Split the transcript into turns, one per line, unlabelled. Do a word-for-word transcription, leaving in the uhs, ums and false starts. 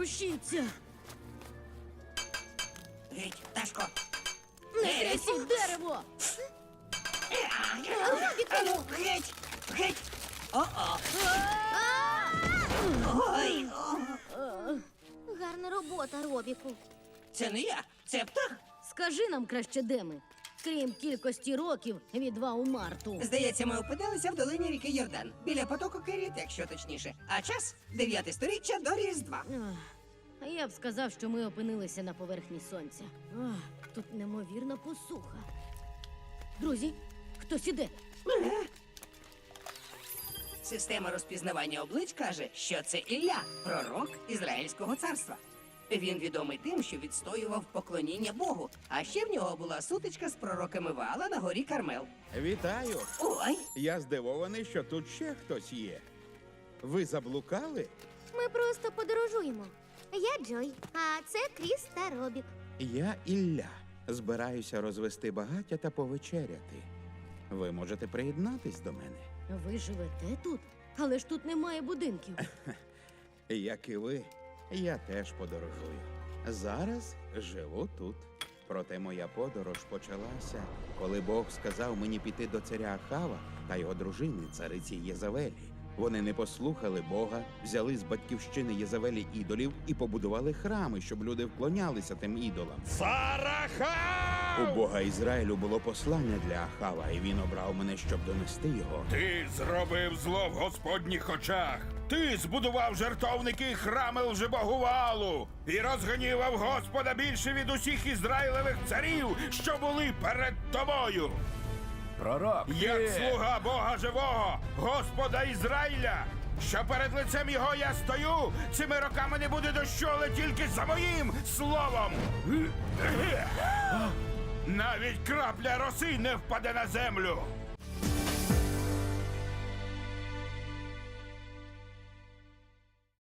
ворушіться.
Геть, Пташко.
Не трясіть дерево!
Ану, геть, геть. О-о. Ой, о.
Гарна робота, Робіку.
Це не я, це птах.
Скажи нам краще, де ми? Крім кількості років від Ваумарту.
Здається, ми опинилися в долині ріки Йордан. Біля потоку Керіт, якщо точніше. А час – дев'яте сторіччя до Різдва.
Ах, Я б сказав, що ми опинилися на поверхні сонця. Ах, тут неймовірна посуха. Друзі, хтось іде.
Система розпізнавання облич каже, що це Ілля, пророк Ізраїльського царства. Він відомий тим, що відстоював поклоніння Богу, а ще в нього була сутичка з пророками Ваала на горі Кармел.
Вітаю!
Ой,
Я здивований, що тут ще хтось є. Ви заблукали?
Ми просто подорожуємо. Я Джой, а це Кріс та Робік.
Я Ілля. Збираюся розвести багаття та повечеряти. Ви можете приєднатись до мене.
Ви живете тут? Але ж тут немає будинків.
Як і ви, я теж подорожую. Зараз живу тут. Проте моя подорож почалася, коли Бог сказав мені піти до царя Ахава та його дружини, цариці Єзавелі. Вони не послухали Бога, взяли з батьківщини Єзавелі ідолів і побудували храми, щоб люди вклонялися тим ідолам.
Сарахав!
У Бога Ізраїлю було послання для Ахава, і він обрав мене, щоб донести його.
Ти зробив зло в Господніх очах. Ти збудував жертовники і храми лжебогу Ваалу і розгнівав Господа більше від усіх ізраїлевих царів, що були перед тобою.
Пророк,
Як
ти...
слуга Бога живого, Господа Ізраїля, що перед лицем його я стою, цими роками не буде дощу, але тільки за моїм словом. Навіть крапля роси не впаде на землю.